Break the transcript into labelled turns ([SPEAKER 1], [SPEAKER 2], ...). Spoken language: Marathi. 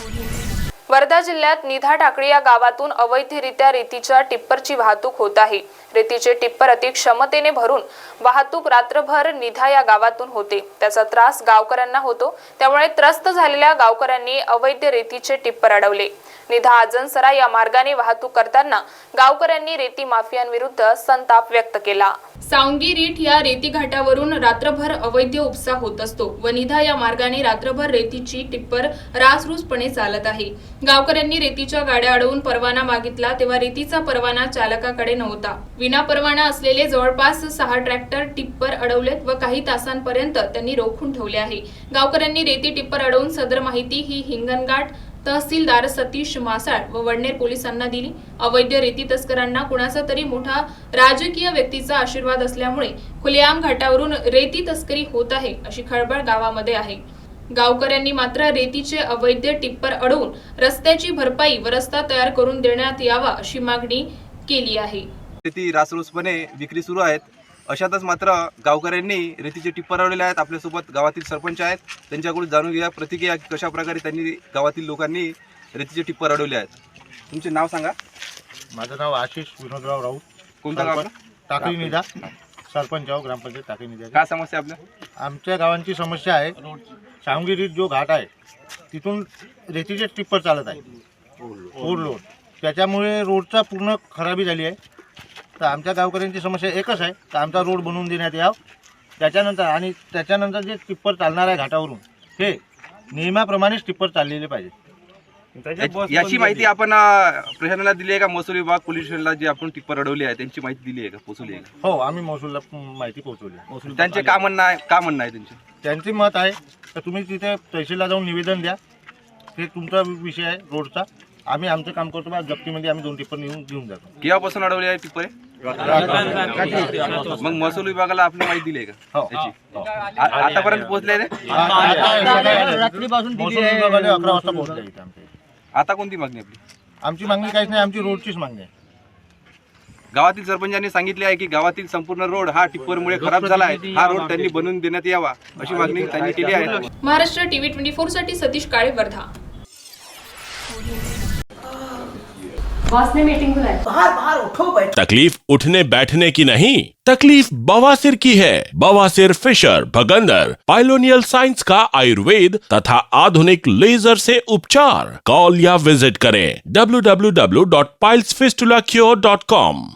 [SPEAKER 1] वर्धा जिल्ह्यात निधा टाकळी या गावातून अवैधरित्या रेतीच्या टिप्परची वाहतूक होत आहे। रेतीचे टिप्पर अति क्षमतेने भरून वाहतूक रात्रभर निधा या गावातून होते। त्याचा त्रास गावकऱ्यांना होतो। त्यामुळे त्रस्त झालेल्या गावकऱ्यांनी अवैध रेतीचे टिप्पर अडवले। निधा आजनसरा या मार्गाने वाहतूक करताना गावकऱ्यांनी रेती माफियांविरुद्ध संताप व्यक्त केला। सावंगी रीठ या रेती घाटावरून रात्रभर अवैध उपसा होत असतो व निधा या मार्गाने रात्रभर रेतीची टिप्पर रासरूसपणे चालत आहे। गावकऱ्यांनी रेतीच्या गाड्या अडवून परवाना मागितला तेव्हा रेतीचा परवाना चालकाकडे नव्हता। विना परवाना असलेले जवळपास 6 ट्रॅक्टर टिप्पर अडवलेत व काही तासांपर्यंत त्यांनी रोखून ठेवले आहे। गावकऱ्यांनी रेती टिप्पर अडवून सदर माहिती ही हिंगणघाट तहसीलदार सतीश मासाळ व वडनेर पोलिसांना दिली। अवैध रेती तस्करांना कुणाचा तरी मोठा राजकीय व्यक्तीचा आशीर्वाद असल्यामुळे खुलेआम घाटावरून रेती तस्करी होत आहे अशी खळबळ गावामध्ये आहे। गावकऱ्यांनी मात्र रेतीचे अवैध टिप्पर अडवून रस्त्याची भरपाई व रस्ता तयार करून देण्यात यावा अशी मागणी केली आहे।
[SPEAKER 2] रेती रासरोसपणे विक्री सुरू आहेत। अशातच मात्र गावकऱ्यांनी रेतीचे टिप्पर अडवले आहेत। आपल्यासोबत गावातील सरपंच आहेत, त्यांच्याकडून जाणून घ्या प्रतिक्रिया कशा प्रकारे त्यांनी गावातील लोकांनी रेतीचे टिप्पर अडवले आहेत। तुमचे नाव सांगा।
[SPEAKER 3] माझं नाव आशिष विनोदराव राऊत।
[SPEAKER 2] कोणता गाव?
[SPEAKER 3] टाकळी निधा, सरपंच आहो, ग्रामपंचायत टाकळी निधा।
[SPEAKER 2] काय समस्या आपल्या?
[SPEAKER 3] आमच्या गावांची समस्या आहे, सावंगी रीठ जो घाट आहे तिथून रेतीचे टिप्पर चालत आहे ओव्हरलोड, त्याच्यामुळे रोडचा पूर्ण खराबी झाली आहे। तर आमच्या गावकऱ्यांची समस्या एकच आहे तर आमचा रोड बनवून देण्यात यावा। त्याच्यानंतर जे टिप्पर चालणार आहे घाटावरून हे नियमाप्रमाणेच टिप्पर चाललेले पाहिजे।
[SPEAKER 2] याची माहिती आपण प्रशासनाला दिली आहे का? महसूल विभाग, पोलीस स्टेशनला जे आपण टिप्पर अडवले आहे त्यांची माहिती दिली आहे का? पोहोचवली आहे का?
[SPEAKER 3] हो, आम्ही महसूलला माहिती पोहोचवली।
[SPEAKER 2] त्यांचे काय म्हणणं आहे?
[SPEAKER 3] त्यांचे मत आहे तर तुम्ही तिथे तहसीलला जाऊन निवेदन द्या, ते तुमचा विषय आहे रोडचा। आम्ही आमचं काम करतो, जप्तीमध्ये आम्ही 2 टिप्पर घेऊन जातो।
[SPEAKER 2] केव्हापासून अडवले आहे टिप्पर? मग महसूल विभागाला आपली माहिती दिली आहे का? आतापर्यंत पोहोचले?
[SPEAKER 3] रात्रीपासून महसूल विभागाने 11 वाजता पोहोचले इथे आमच्या।
[SPEAKER 2] आता कोणती मागणी आपली?
[SPEAKER 3] आमची मागणी काहीच नाही, आमची रोडचीच मागणी आहे।
[SPEAKER 2] गावातील सरपंचांनी सांगितले आहे की गावातील संपूर्ण रोड हा टिप्परमुळे खराब झाला आहे, हा रोड त्यांनी बनवून देण्यात यावा अशी मागणी त्यांनी केली आहे।
[SPEAKER 1] महाराष्ट्र टीव्ही 24 साठी सतीश काळे, वर्धा।
[SPEAKER 4] बॉस ने मीटिंग बुलाई।
[SPEAKER 5] बाहर उठो बैठो।
[SPEAKER 6] तकलीफ उठने बैठने की नहीं, तकलीफ बवासीर की है। बवासीर, फिशर, भगंदर, पाइलोनियल साइंस का आयुर्वेद तथा आधुनिक लेजर से उपचार। कॉल या विजिट करें www.pilesfistulacure.com।